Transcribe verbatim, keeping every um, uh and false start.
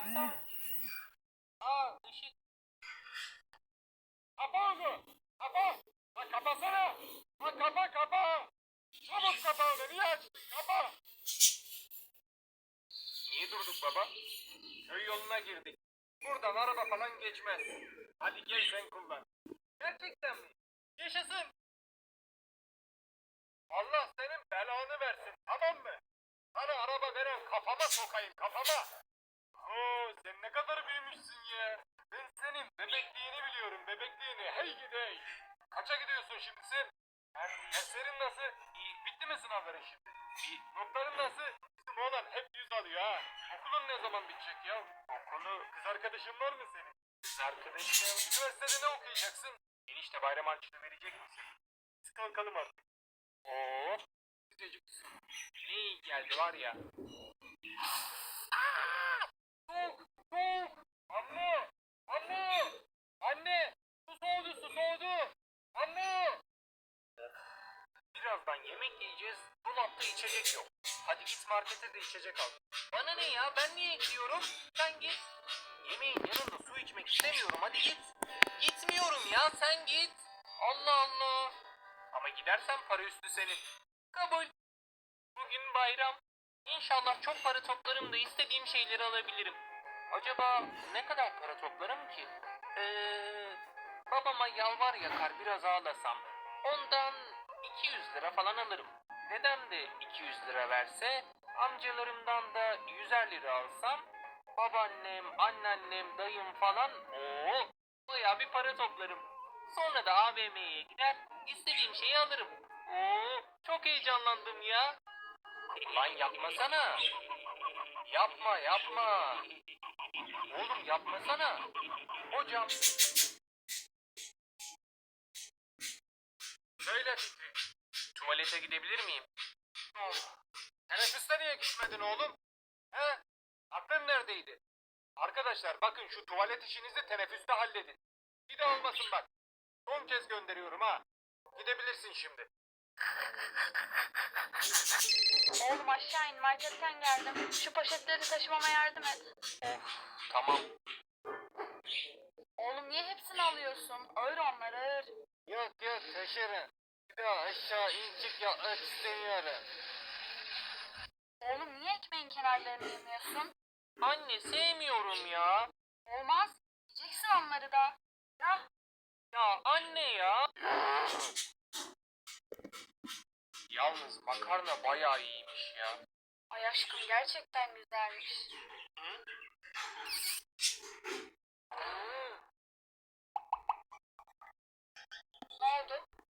Kapatsam. Aa ışık. Kapa onu. Kapa. Lan kapasana. Lan kapa kapa. Çabuk kapa onu. Niye açtın? Kapa. Niye durduk baba? Köy yoluna girdik. Buradan araba falan geçmez. Hadi gel sen kullan. Gerçekten mi? Yaşasın. Allah senin belanı versin, tamam mı? Sana araba veren kafama sokayım, kafama. Oo, sen ne kadar büyümüşsün ya. Ben senin bebekliğini biliyorum, bebekliğini. Hey gidey. Kaça gidiyorsun şimdi sen? Derslerin nasıl? İyi. Bitti mi sınavların şimdi? İyi. Notların nasıl? Bizim oğlan hep yüz alıyor ha. Okulun ne zaman bitecek ya? Okulu, kız arkadaşın var mı senin? Kız arkadaşım. Üniversitede ne okuyacaksın? Enişte bayram harçlığı verecek misin? Biz kalkalım artık. Oo, sıcacık su. Ne iyi geldi var ya. Aa! Soğuk, soğuk. Anne, anne, anne. Su soğudu, su soğudu. Anne. Birazdan yemek yiyeceğiz. Dolapta içecek yok. Hadi git markete de içecek al. Bana ne ya? Ben niye gidiyorum? Sen git. Yemeğin yanında su içmek istemiyorum. Hadi git. Gitmiyorum ya. Sen git. Allah Allah. Ama gidersen para üstü senin. Kabul. Bugün bayram. İnşallah çok para toplarım da istediğim şeyleri alabilirim. Acaba ne kadar para toplarım ki? Eee... Babama yalvar yakar biraz ağlasam. Ondan iki yüz lira falan alırım. Dedem de iki yüz lira verse, amcalarımdan da yüzer lira alsam, babaannem, anneannem, dayım falan, ooo, bayağı bir para toplarım. Sonra da A V M'ye gider, istediğim şeyi alırım. Oo, çok heyecanlandım ya. Lan yapmasana. Yapma yapma. Oğlum yapmasana. Hocam. Söyle Fikri. Tuvalete gidebilir miyim? Oh. Teneffüste niye gitmedin oğlum? He? Aklın neredeydi? Arkadaşlar bakın şu tuvalet işinizi teneffüste halledin. Bir de olmasın bak. Son kez gönderiyorum ha. Gidebilirsin şimdi. Oğlum aşağı in, marketten geldim. Şu poşetleri taşımama yardım et. Of tamam. Oğlum niye hepsini alıyorsun? Ağır onlar ağır. Yok yok taşırım. Bir daha aşağı incik yapmak istemiyorum. Oğlum niye ekmeğin kenarlarını yemiyorsun? Anne sevmiyorum ya. Olmaz. Yiyeceksin onları da. Ya Ya anne ya. Yalnız makarna bayağı iyiymiş ya. ay aşkım gerçekten güzelmiş. Hı? Ne oldu?